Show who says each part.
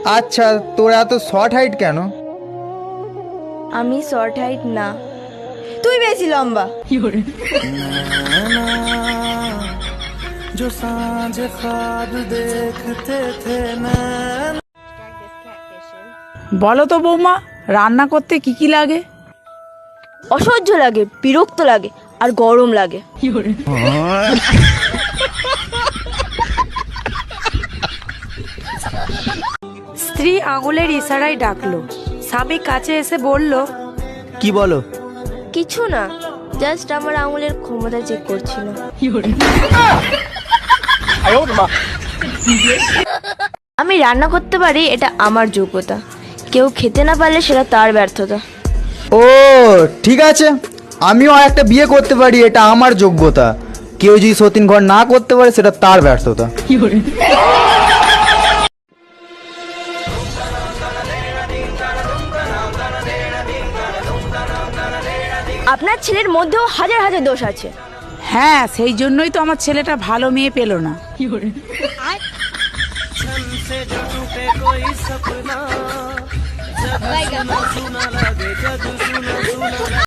Speaker 1: আচ্ছা, তোর এত শর্ট হাইট কেন?
Speaker 2: আমি শর্ট হাইট না, তুই বেশি লম্বা।
Speaker 3: বলো তো বৌমা, রান্না করতে কি কি লাগে?
Speaker 2: অসহ্য লাগে, বিরক্ত লাগে, আর গরম লাগে।
Speaker 3: স্ত্রী আঙুলের ইশারায় ডাকলো। স্বামী কাছে এসে বলল,
Speaker 1: কি বলো?
Speaker 2: কিছু না, জাস্ট আমার আঙুলের ক্ষমতা চেক করছিল। আমি রান্না করতে পারি, এটা আমার যোগ্যতা। কেউ খেতে না পারলে সেটা তার ব্যর্থতা।
Speaker 1: ও ঠিক আছে, আমিও একটা বিয়ে করতে পারি, এটা আমার যোগ্যতা। কেউ যদি সতীন ঘর না করতে পারে সেটা তার ব্যর্থতা।
Speaker 2: আপনার ছেলের মধ্যেও হাজার হাজার দোষ আছে।
Speaker 3: হ্যাঁ, সেই জন্যই তো আমার ছেলেটা ভালো মেয়ে পেল না।